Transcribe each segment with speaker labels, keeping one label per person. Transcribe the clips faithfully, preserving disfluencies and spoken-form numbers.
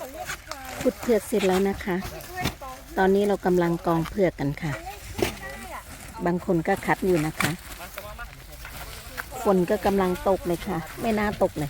Speaker 1: ขุดเผือกเสร็จแล้วนะคะ ตอนนี้เรากำลังกองเผือกกันค่ะ บางคนก็คัดอยู่นะคะ ฝนก็กำลังตกเลยค่ะ ไม่น่าตกเลย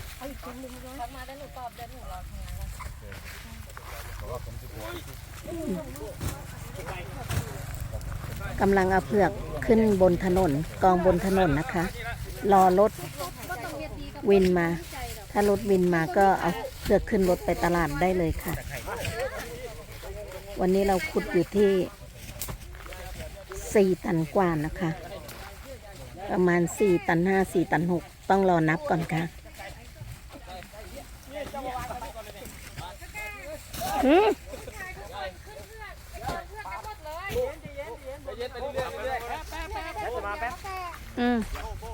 Speaker 1: กำลังเอาเผือกขึ้นบนถนนกองบนถนนนะคะ รอรถวินมา ถ้ารถวินมาก็เอาเผือกขึ้นรถไปตลาดได้เลยค่ะ วันนี้เราขุดอยู่ที่สี่ตันกว่านะคะ ประมาณสี่ตันห้าสี่ตันหกต้องรอนับก่อนค่ะอืมอืม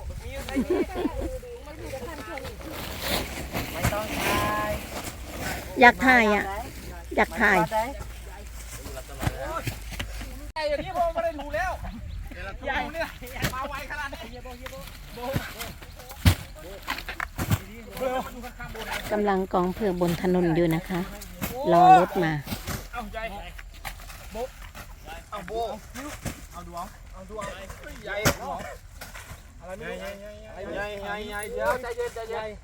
Speaker 1: อยากถ่ายอ่ะ อยากถ่าย
Speaker 2: ไอ้เดี๋ยวนี้ผมไม่ได้รู้แล้วใหญ่เนี่ยมาไวขนาดนี้
Speaker 1: กำลังกองเผือกบนถนนอยู่นะคะ รอรถมา
Speaker 2: เอาใหญ่โบเอาโบเอาดวงเอาดวงใหญ่อะไรไม่รู้ใหญ่ใหญ่ใหญ่เดี๋ยวใจเย็นใจเย็น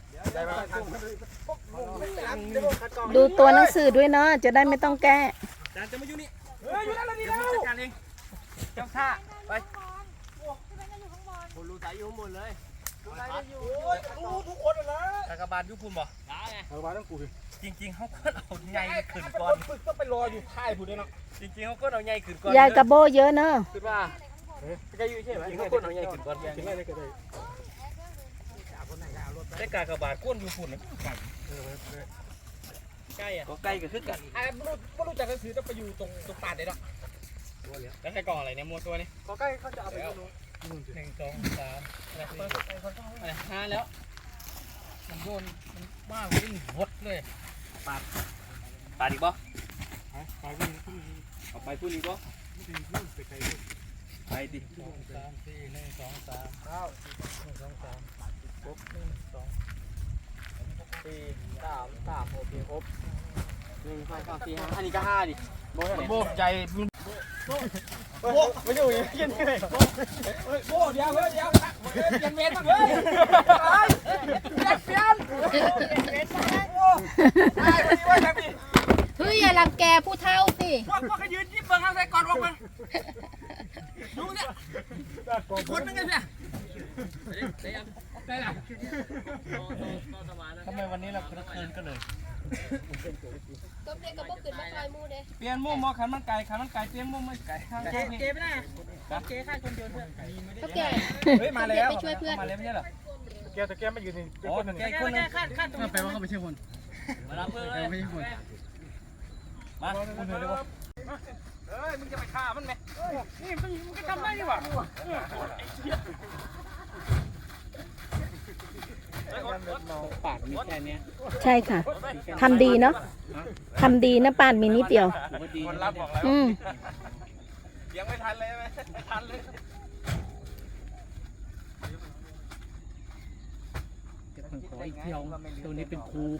Speaker 1: ดูตัวหนังสือด้วยเนาะจะได้ไม่ต้องแก้
Speaker 2: จานจะมาอยู่นี่เฮ้ยอยู่นั่นเลยดีแล้วจัดการเองเจ้าท่าไปคนรู้ใจอยู่ข้างบนเลยรู้ใจอยู่รู้ทุกคนเลยกากบาลยุคุณบ่ได้ไงกากบาลต้องกูจริงๆเขาก็เอาใหญ่ขึ้นก่อนก็ไปรออยู่ท้ายผู้เดียวเนาะจริงๆเขาก็เอาใหญ่ขึ้นก่อน
Speaker 1: ยายกระโบเยอะเนาะ
Speaker 2: ขึ้นมาจะอยู่ใช่ไหมเขาก็เอาใหญ่ขึ้นก่อนขึ้นได้ก็ได้ได้กากบาลก้นอยู่ฝุ่นนะใกล้อ่ะก็ใกล้กับขึ้นกันอ่าไม่รู้ไม่รู้จักหนังสือจะไปอยู่ตรงตรงปาดไหนหรอกแล้วใช้กล่องอะไรเนี่ยมวลตัวนี้ก็ใกล้เขาจะเอาไปดูหนึ่งสองสามอะไรอะไรห้าแล้วมันโยนมันบ้าวิ่งหดเลยปาดปาดอีกบ่ปาดวิ่งเอาไปพูดอีกบ่ไปดิสองสามสี่หนึ่งสองสามเก้าหนึ่งสองสามครบหนึ่งสองสี่สามสามหกครบหนึ่งสองสามสี่ห้าอันนี้ก็ห้าดิโบใจโบไม่อยู่ยังยังไงโบเดี๋ยวเดี๋ยวเดี๋ยวยังเว้นมาเลยเปลี่ยนเปลี่ยน
Speaker 1: เฮ้ยอย่ารังแกผู้เฒ่าสิ
Speaker 2: พวกพวกเขายืนยิ้มเบิ้งข้างใส่ก่อนออกมาดูเนี่ยคนนึงไงเนี่ยได้ละทำไมวันนี้เราคืนคืนกันเลย
Speaker 3: ต้มเด็กกับพวกขึ้นมาคอยมูเด้
Speaker 2: เปลี่ยนมุมมอขันมันไก่ขันมันไก่เปลี่ยนมุมมันไก่เจ๊เจ๊ไม่ได้เจ๊ข้าคนเดียวเพื่อน
Speaker 3: เขาแก่
Speaker 2: เฮ้ยมาแล้ว
Speaker 3: ไปช่วยเพื่อน
Speaker 2: มาแล้วไม่ใช่หรอแกแต่แกไม่ยืนนี่โอ้แกคนนึงข้าข้าแปลว่าเขาไม่ใช่คนมารับเพื่อนไม่ใช่คนมาคุณเห็นเลยว่าเฮ้ยมึงจะไปฆ่ามันไหมนี่มึงมึงก็ทำได้ดีกว่าปากมีแค่นี้
Speaker 1: ใช่ค่ะทำดีเนาะทำดีนะป่านมีนิดเดียว
Speaker 2: คนรับบอกแล้วยังไม่ทันเลยไหมไม่ทันเลย
Speaker 4: ขออีกเที่ยวตัวนี้เป็นครู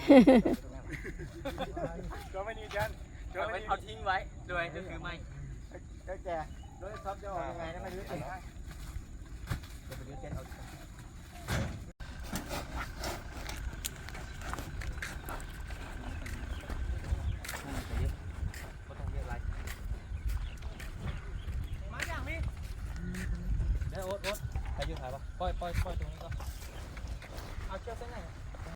Speaker 2: ก็ไม่ดีจันเอาทิ้งไว้ด้วยจะถือไม้ก็แกรถซับจะออกยังไงนะไม่รู้สิจะไปดูเจนเอามาอย่างนี้เดี๋ยวโอ๊ตโอ๊ตใครยืนถ่ายปะปล่อยปล่อยปล่อยตรงนี้ก็เอาเชือกเส้นไหน